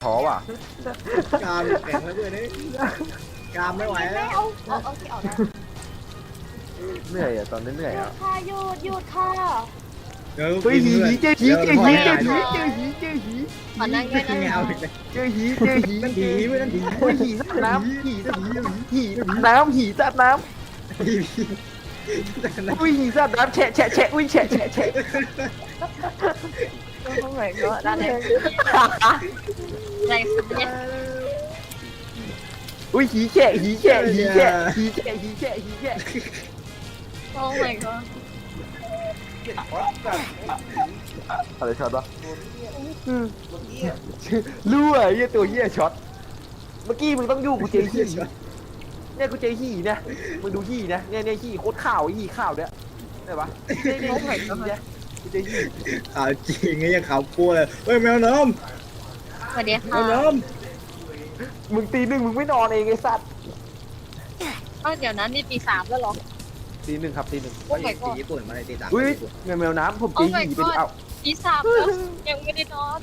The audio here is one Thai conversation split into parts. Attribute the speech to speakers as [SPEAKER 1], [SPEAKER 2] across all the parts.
[SPEAKER 1] ท้อว่ะ
[SPEAKER 2] กามแข็งแล้วเพื่อนกามไม่ไหวแล้ว
[SPEAKER 3] โอเคออกแล้ว
[SPEAKER 1] เหนื่อยอ่ะตอนนี้เหนื่อย
[SPEAKER 3] หยุ
[SPEAKER 1] อ่ะ
[SPEAKER 3] ดค่ะหยุดค่ะ
[SPEAKER 2] เดี๋ยว
[SPEAKER 1] เฮ้ยหีเจอหีเจอหีเจอหีเจอหีเจอหี
[SPEAKER 3] ขอนั่งด้วยนะ
[SPEAKER 2] เงาอีกเลย
[SPEAKER 1] เจอหีเจอหี
[SPEAKER 2] นั่นผีไม่นั่นผี
[SPEAKER 1] โอ้ยหีสัตว์น้ำหีสัตว์น้ำหีสัตว์น้ำ
[SPEAKER 2] ผี
[SPEAKER 1] อุ้ยหีสัตว์น้ำแฉะแฉะแฉะอุ้ยแฉะแฉะแฉะ
[SPEAKER 3] โอ้โหก็ด้านไหนอะไรสักเนี่ย
[SPEAKER 1] อุ้ยหีแฉะหีแฉะหีแฉะหีแฉะหีแฉะหีแฉะ
[SPEAKER 3] โอ้ my god
[SPEAKER 1] อะไรช็อตวะรู้อ่ะเหี้ยตัวเหี้ยช็อตเมื่อกี้มึงต้องอยู่กูเจอหีเนี่ยกูเจอหีเนี่ยมึงดูหีนะเนี่ยหีโคตรข่าวหีข่าวเนี่ยได้ปะเนี่ยเนี่ยกูเจอหี
[SPEAKER 2] ขาวจริงไงยังขาวกลัวเลยเฮ้ยแมวน้
[SPEAKER 3] สวัสดี
[SPEAKER 2] ำแม
[SPEAKER 3] ค่ะ
[SPEAKER 2] วน้
[SPEAKER 1] มึงตีหนึ่งมึงไม่นอนเองไอ้สัตว์
[SPEAKER 3] เดี๋ยวนั้นนี่ปี3แล้วหรอ
[SPEAKER 1] ตีหนึ่งครับตีหนึ่ง
[SPEAKER 3] โอ้ my
[SPEAKER 2] ำ
[SPEAKER 3] god
[SPEAKER 2] ญี่ปุ่นมาเลยตีตา
[SPEAKER 1] อุ้ยแมวน้ำผมเจอหีไปดูเอ้า
[SPEAKER 3] ปี3แล้วยังไม่ได้นอน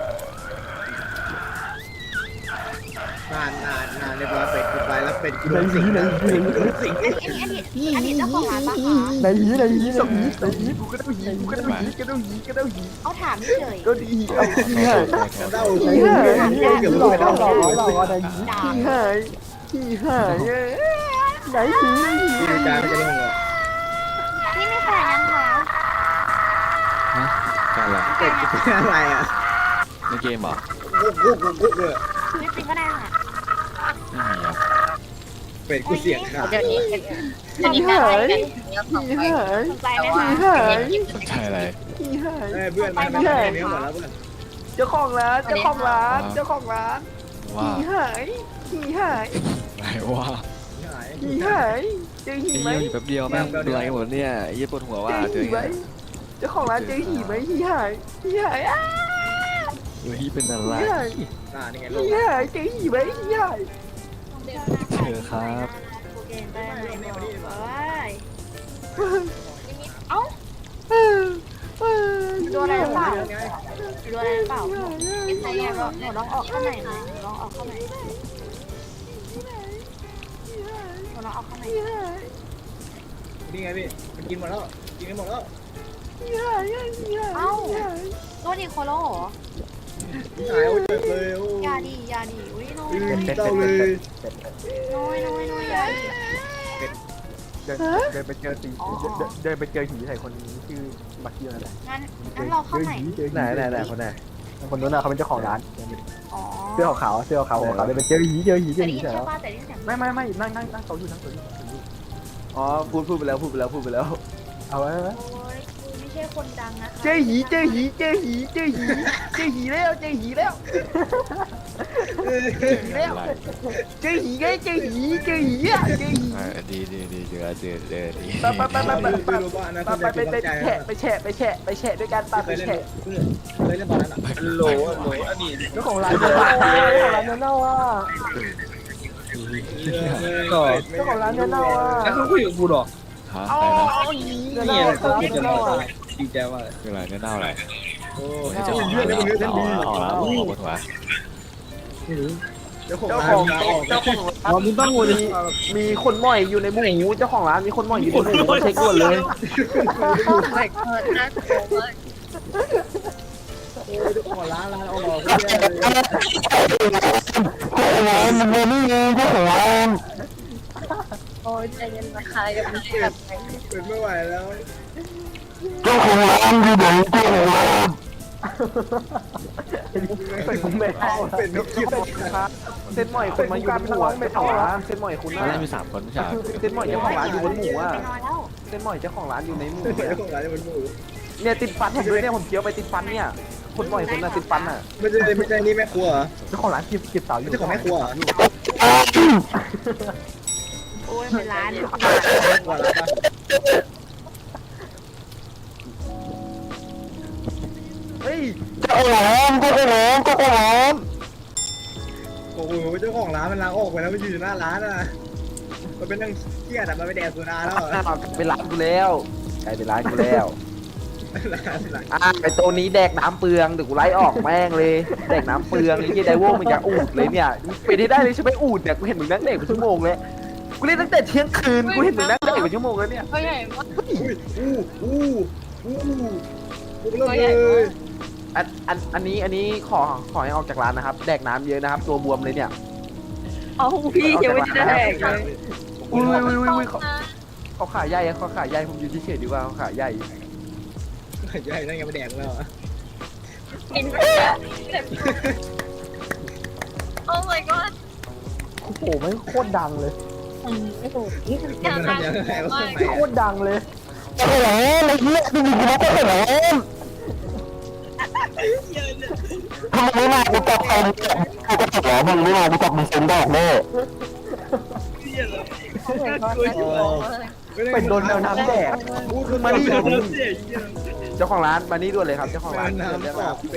[SPEAKER 2] นานเรียบร้อยเป็ดกูไปแล้วเป็ดกูโดนสิงแล้วเป็ดกูโดนสิง
[SPEAKER 3] อันนี้เจ้าของร้านปะคะ
[SPEAKER 1] ไหนหีกูก็ต้องหีกูก็ต้องหีก็ต้องหีก็ต้องหี
[SPEAKER 3] เอาถามเฉย
[SPEAKER 1] ก็ดีเอาหีหาย
[SPEAKER 2] เด้าเกือบรู้ไปเด้า
[SPEAKER 3] ด่า
[SPEAKER 1] หีหายหีหายไหนหี
[SPEAKER 2] ที่ดูจานจะลงเลย
[SPEAKER 3] นี่ไม่แฟนยังคะ
[SPEAKER 4] การอะไร
[SPEAKER 2] เป็ดกูเป็นอะไรอ่ะ
[SPEAKER 4] ในเกมเหรอ
[SPEAKER 2] กุ๊กเลย
[SPEAKER 3] ไม่จริงก็ได้ค่ะ
[SPEAKER 4] ไม่มีอ่ะ
[SPEAKER 2] เป็ดกูเสียงขาด
[SPEAKER 3] เดี๋ยวนี้การให้กัน
[SPEAKER 1] หีหาย
[SPEAKER 3] สนใจไหมคะ
[SPEAKER 4] สนใจอะไร
[SPEAKER 1] หีหาย
[SPEAKER 2] เพื่อนมาแค่นี้หมดแล้วเพื่อน
[SPEAKER 1] เจ้าของร้านเจ้าของร้านเจ้าของร้าน
[SPEAKER 4] ว่า
[SPEAKER 1] หีหายหีหาย
[SPEAKER 4] ไหนว่า
[SPEAKER 1] หีหายเจอหี
[SPEAKER 4] ไอ้
[SPEAKER 1] ไหม
[SPEAKER 4] เหี้ยอยู่แป๊บเดียวแม่งเป็นไรกันหมดเนี่ยไอ้เหี้ยปวดหัว
[SPEAKER 1] เจ
[SPEAKER 4] ว่า
[SPEAKER 1] อ
[SPEAKER 4] เจอ
[SPEAKER 1] หี
[SPEAKER 4] ไง
[SPEAKER 1] ไหมเจ้าของร้านเจอหีไหมหีหายหีหายอ้า
[SPEAKER 4] เฮ้ยเป็นอะไร
[SPEAKER 1] หีหาย
[SPEAKER 2] นี่ไง
[SPEAKER 1] หีหายเจอหีไหมหีหาย
[SPEAKER 4] เจอครับ
[SPEAKER 3] เอ้าดูอะไรหรือเปล่าดูอะไรหรือเปล่าเป็นไงอ่ะหนูลองออกข้างไหนหน่อยหนูลองออกข้างไหนหนูลองออกข้างไหน
[SPEAKER 2] นี่ไงพี่มันกินหมดแล้วกินกันหมดแล้ว
[SPEAKER 3] เอ้าโดนอีโคโลเหรอ
[SPEAKER 2] หายโอ้ยเจ็บเลยโอ้
[SPEAKER 3] ยาดียาดีอุ้ยน้อย
[SPEAKER 2] เจ้าเลย
[SPEAKER 3] น้อยยาดี
[SPEAKER 1] เดินไปเจอตีเดินไปเจอหีใส่คนชื่อบักเกียวนั่นแหละ
[SPEAKER 3] งั้นเราเข้าไหน
[SPEAKER 1] ไหนคนไหนคนนู้นน่ะเขาเป็นเจ้าของร้าน
[SPEAKER 3] อ๋อ
[SPEAKER 1] เสื้อขาวเสื้อขาวหัวขาวเดินไปเจอหีเจอหี
[SPEAKER 3] แต่ได้ยิน
[SPEAKER 1] ใส่
[SPEAKER 3] ใช่
[SPEAKER 1] แล้ว
[SPEAKER 3] ป่ะแต่ได้ยินเสียง
[SPEAKER 1] ไม่นั่งโต๊ะอยู่อ๋อพูดไปแล้วเอาไว้
[SPEAKER 3] โอ้ยกูไม่ใช่คนดังนะคะ
[SPEAKER 1] เจอหีแล้วเจอหีแล้ว
[SPEAKER 4] เจออะไร
[SPEAKER 1] เจอหีไงเจอหีอ่ะเจอหี
[SPEAKER 4] ดีเจอดี
[SPEAKER 1] ไปแฉะด้วยกันปา
[SPEAKER 2] เค
[SPEAKER 1] ไป
[SPEAKER 2] ยเล่น
[SPEAKER 1] แฉะ
[SPEAKER 2] เคยเล่นตอนนั้นอ่ะ
[SPEAKER 1] โหลอันนี้เจ้าของร้านเน่าอ่ะเจ้าของร้านเน่าอ่ะ
[SPEAKER 5] แล้วเขาคุยกับกูหรอ
[SPEAKER 4] ฮะ
[SPEAKER 1] อ๋อ
[SPEAKER 4] อะไรนะ
[SPEAKER 1] นี่
[SPEAKER 5] นี่
[SPEAKER 1] อะไร
[SPEAKER 5] อะไรกูคิดจะเล่าดีใจมาก
[SPEAKER 4] คืออะไรเน่าอะไร
[SPEAKER 2] โอ้
[SPEAKER 4] เฮ้ยเจ้าของร้านเอาปวดหัว
[SPEAKER 2] เจ้าของ
[SPEAKER 1] เจ้า
[SPEAKER 2] ร้า
[SPEAKER 1] ของ
[SPEAKER 2] นออก
[SPEAKER 1] เจ้าของ
[SPEAKER 5] อ๋อมึงต้องงูดิ
[SPEAKER 1] มีคนหม่อยอยู่ในหมูเจ้าของร้านมีคนหม่อยอยู่ในหมูเช็คด่วนเลย
[SPEAKER 3] น่ากลัวมาก
[SPEAKER 2] เจ้าของร้านออก
[SPEAKER 3] โอ้ยใจเย็นนะคะอย่าเป็นแบบไหน
[SPEAKER 2] เป็นไม่ไหวแล้ว
[SPEAKER 1] เป็นผมไม่เอา
[SPEAKER 2] เป็นไม่คิด
[SPEAKER 1] เส้นหม่อยคนมาอยู่บนหมูเจ้าของร้านเส้นหม่อยคุณ
[SPEAKER 4] ตอนแร
[SPEAKER 1] น่ะ
[SPEAKER 4] กมี3คนไม่ใช่
[SPEAKER 1] เส้นหม่อยเจ้าของร้านอยู่บนหมูอ่ะ
[SPEAKER 3] ไปนอนแล้ว
[SPEAKER 1] เส้นหม่อยเจ้าของร้านอยู่ในหมู
[SPEAKER 2] เจ้าของร้านเป็นหมู
[SPEAKER 1] เนี่ยติดฟันผมด้วยเนี่ยผมเคี้ยวไปติดฟันเนี่ยคนหม่อยคนน่ะติดฟันอ่ะ
[SPEAKER 2] ไม่ใช่นี่แม่ครัว
[SPEAKER 1] เจ้าของร้านเก็บเต่าอยู่
[SPEAKER 2] เจ้าของแม่ครัว
[SPEAKER 3] โอ้ยเป็นร้าน
[SPEAKER 2] แม่ครัวร้านปะ
[SPEAKER 1] เฮ้ย
[SPEAKER 2] โอ้โหเจ้าของร้านมันล้างออกไปแล้วมันอยู่หน้าร้านอ่ะมันเป็นนั่งเครียดอ่ะมันไปแดกสุราแล้ว
[SPEAKER 1] เป็นร้านกูแล้วกลายเป็นร้านกูแล้วไอตัวนี้แดกน้ำเปลืองเดี๋ยวกูไล่ออกแม่งเลยแดกน้ำเปลืองไอ้เหี้ยไดโว้มันจะอูดเลยเนี่ยเป็นให้ได้เลยใช่ไหมอูดเนี่ยกูเห็นมึงนั่งเด็กเป็นชั่วโมงเลยกูเล่นตั้งแต่เที่ยงคืนกูเห็นมึงนั่งเด็กเป็นชั่วโมงแล้วเนี่ย
[SPEAKER 3] ตัวใหญ่มาก
[SPEAKER 2] กูเริ่มเลย
[SPEAKER 1] อันนี้ขอให้ออกจากร้านนะครับแดกน้ำเยอะนะครับตัวบวมเลยเนี่ย
[SPEAKER 3] เอาพี่ยังไม่ได้แดกเลย
[SPEAKER 1] อุ้ยเขาขาใหญ่เขาขาใหญ่ผมอยู่ที่เฉยดีกว่าเขาขาใหญ่
[SPEAKER 2] ใหญ่นั่นไงมาแดกแล้ว
[SPEAKER 3] กินไปโอ้ my god
[SPEAKER 1] โอ้โหไม่โคตรดังเลย
[SPEAKER 3] ไม่ถูกนี่คือ
[SPEAKER 2] ยั
[SPEAKER 3] กาง ร
[SPEAKER 2] ไงยังไงวะ
[SPEAKER 1] โคตรดังเลยโอ้โหไอ้เหี้ยดูกูนะโอ้โหทำไมไม่มากูจับใครกูก็จับหรอมึงไม่มากูจับมึงเซ็นดอกแน่ เป็นโดนแมวน้ำแดกมานี่เจ้าของร้านมานี่ด่วนเลยครับเจ้าของร้านมานี่ด่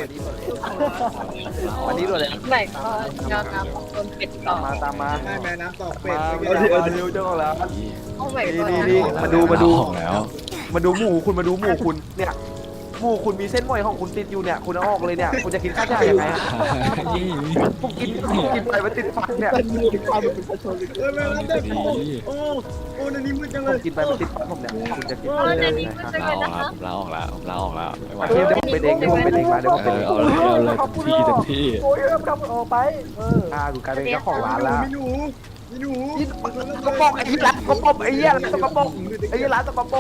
[SPEAKER 1] วนเลย
[SPEAKER 3] ไหนก็ยอดน้ำของต้นเป็ดต่อ
[SPEAKER 1] ตามมา
[SPEAKER 2] แม่น้ำตอกเป็ด
[SPEAKER 1] มาเร็วเจ้าของร้าน
[SPEAKER 3] โอ้ my god
[SPEAKER 1] นี่มาดู
[SPEAKER 4] ออกแล้ว
[SPEAKER 1] มาดูหมูคุณมาดูหมูคุณเนี่ยหมูคุณมีเส้นหมอยของคุณติดอยู่เนี่ยคุณเอาออกเลยเนี่ยคุณจะกินข้าวจ่ายยังไงฮะผมกินไปมันติดฟันเนี่ย
[SPEAKER 2] แม่น้ำแดกโอ้ในนี้มืดจังเล
[SPEAKER 1] ผม
[SPEAKER 2] ย
[SPEAKER 1] กินไปมันติดฟันผมเนี่ยคุณจะกิน
[SPEAKER 3] อ๋อเดี๋ยวนี้มันจะ
[SPEAKER 4] ลา
[SPEAKER 3] เป็น
[SPEAKER 4] ออก
[SPEAKER 3] นะ
[SPEAKER 4] แล้ว
[SPEAKER 3] คะ
[SPEAKER 4] ผมลาออกแล้วไม่ไหว
[SPEAKER 1] เดี๋ยวผมไปเองเดี๋ยวผมไปเองมาเดี๋ยวผมไปเอง
[SPEAKER 4] เอาเลยเต็มที่
[SPEAKER 1] โอ้ยทำออกไปกูกลายเป็นเจ้าของร้านแล้ว
[SPEAKER 2] มีหนู
[SPEAKER 1] กระป๋องไอ้ยี่ร้านกระป๋องไอ้ยี่ร้านกระป๋องไอ้ยี่ร้านกระป๋อง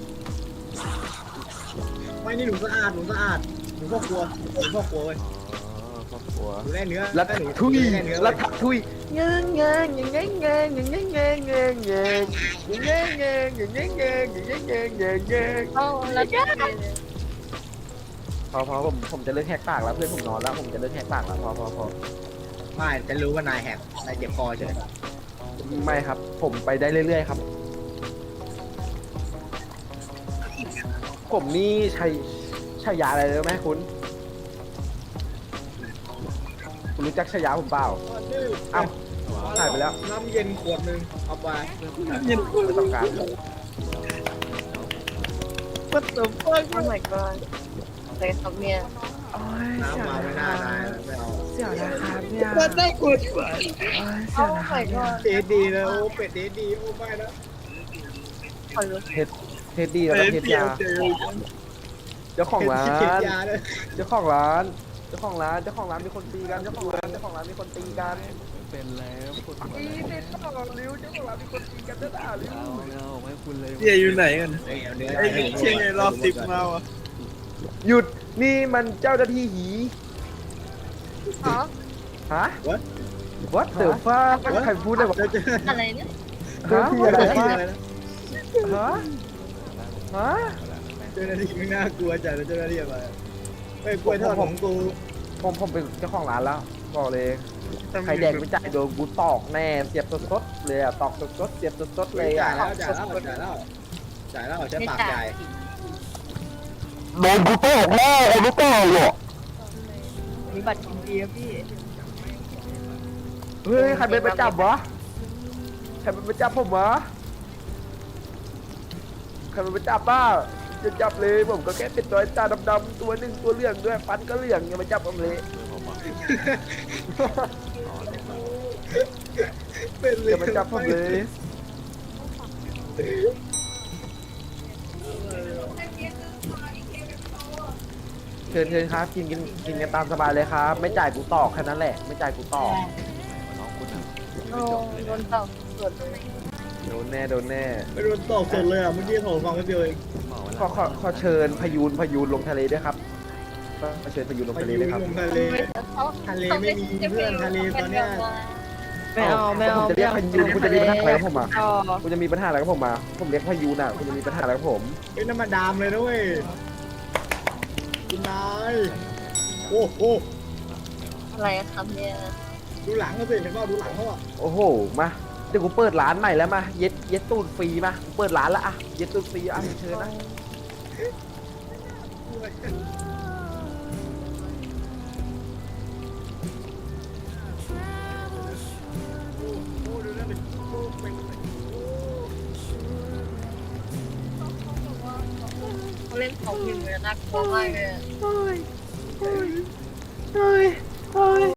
[SPEAKER 2] ไม่นี่หนูสะอาดหนูพ่อครัวเว้ยหนูได้เนื้อ
[SPEAKER 1] แล้วทุย
[SPEAKER 2] ได้เนื้อ
[SPEAKER 1] แล้วทุยเงี้ยเงี้ยเงี้ยเงี้ยเงี้ยเงี้ยเงี้ยเงี้ยเงี้ยเงี้ยเงี้ยเงี้ยเงี้ยเงี้ยเงี้ยเงี้ยเงี้ยเงี้ย
[SPEAKER 3] โอ้แล้วก็
[SPEAKER 1] พอผมจะเลิกแหกปากแล้วเพื่อนผมนอนแล้วผมจะเลิกแหกปากแล้วพอ
[SPEAKER 2] ไม่จะรู้ว่านายแหกนายเจ็บคอเฉย
[SPEAKER 1] ไม่ครับ ผมไปได้เรื่อยๆครับ ผมนี่ใช้ยาอะไรรู้ไหมคุณรู้จักฉายาผมเปล่าอ้าวหายไปแล้ว
[SPEAKER 2] น้ำเย็นขวดนึงเอาไป
[SPEAKER 1] ไม่ต้องการ
[SPEAKER 2] What the fuck
[SPEAKER 3] Oh my god เลยครับเนี่ย
[SPEAKER 2] น้ำมาไม่น่านายไม่เอา
[SPEAKER 1] เสี่ยวนะครับเนี่ย
[SPEAKER 2] มันได้ขวด
[SPEAKER 3] โอ้ my god
[SPEAKER 2] เดดีเลยโอ้เป็ดเดดีโอ้ไม่นะ
[SPEAKER 3] ขอรู้
[SPEAKER 1] เทสดีแล้วก็เทสยาเจ้าของร้าน
[SPEAKER 2] เก็บยาเลย
[SPEAKER 1] เจ้าของร้านมีคนตีกันเจ้าของร้านมีคนตีกัน
[SPEAKER 4] เป็นแล้วปวดหัว
[SPEAKER 1] ตีติดต่อริ้วเจ้าของร้านมีคนตีกันเจ้าด่าริ้ว
[SPEAKER 4] เอาไม่คุณเลย
[SPEAKER 5] เจียอยู่ไหนกัน
[SPEAKER 2] เนื้อ
[SPEAKER 5] ไอ้เชียงไงรอบสิบมาอ่ะ
[SPEAKER 1] หยุดนี่มันเจ้าหน้าที่หี
[SPEAKER 3] อ๋อ
[SPEAKER 1] ฮะ What the fuck ใครพูดได้วะ
[SPEAKER 2] เจอ
[SPEAKER 3] อะไรเนี่ย
[SPEAKER 1] ฮะ
[SPEAKER 2] ที่
[SPEAKER 1] What
[SPEAKER 2] อะไร
[SPEAKER 1] the
[SPEAKER 2] ที่
[SPEAKER 1] fuck
[SPEAKER 2] อะไรนะ
[SPEAKER 1] ฮะฮะ
[SPEAKER 2] เจ้าหน้าที่ไม่น่ากลัวจัดเจ้าหน้าที่อะไรเฮ้ยกล้วยทอดของกู
[SPEAKER 1] ผมเป็นเจ้าของร้านแล้วบอกเลยใครแดกไม่จ่ายโดนกูตอกแน่เสียบสดๆเลยอ่ะตอกสดๆเสียบสดๆเลย
[SPEAKER 2] จ่า
[SPEAKER 1] อ่ะ
[SPEAKER 2] ยแล้วใช้ปากจ่าย
[SPEAKER 1] โดนกูตอกแน่ไอ้ลูกตอกอ่ะ
[SPEAKER 3] มีบัตรกินเบียร์พี่
[SPEAKER 1] เฮ้ยใครเป็นประจับวะใครเป็นประจับผมวะใครเป็นประจับบ้าจะจับเลยผมก็แค่เป็นตัวตาดำๆตัวหนึ่งตัวเหลืองด้วยฟันก็เหลืองอย่ามาจับผมเลย
[SPEAKER 2] เป็นเลย
[SPEAKER 1] อย่ามาจับผมเลยเชิญครับกินกันตามสบายเลยครับ ไม่จ่ายกูตอกแค่นั้นแหละไม่จ่ายกูตอก
[SPEAKER 4] น้องคุณอ่ะ
[SPEAKER 3] โอ้โดนต่อสวดเลย
[SPEAKER 1] โดนแน่
[SPEAKER 2] ไม่โดนตอกสดเลยอ่ะเมื่อกี้ผมฟังไม่เดียวเอง
[SPEAKER 1] ขอเชิญพยูนลงทะเลด้วยครับขอเชิญพยูนลง
[SPEAKER 2] ไป
[SPEAKER 1] ทะเล
[SPEAKER 2] ยื
[SPEAKER 1] ด้วย
[SPEAKER 2] น
[SPEAKER 1] ครับ
[SPEAKER 2] ลงทะเล ไม่มีเพื่อนทะเลตอนเนี้ย
[SPEAKER 3] ไม่เอา
[SPEAKER 1] ผมจะเรียกพยูนคุณจะมีปัญหาอะไรกับผมอ่ะ
[SPEAKER 3] ต่อ
[SPEAKER 1] คุณจะมีปัญหาอะไรกับผมมาผมเรียกพยูนอ่ะคุณจะมีปัญหาอะไรกับผม
[SPEAKER 2] เป็นน้ำมันดามเลยนะเว้ยคุณนายโอ้โห
[SPEAKER 3] อะไรครับเนี่ย
[SPEAKER 2] ดูหลังเขาสิเห็นว่าดูหลังเขาอ่ะ
[SPEAKER 1] โอ้โหมาเดี๋ยวกูเปิดร้านใหม่แล้วมาเย็ดตูดฟรีมาเปิดร้านละอ่ะเย็ดตูดฟรีอ่ะเชิญนะ
[SPEAKER 3] เล่เล่นของหนึ่งเลยน่ากลัวมากเลย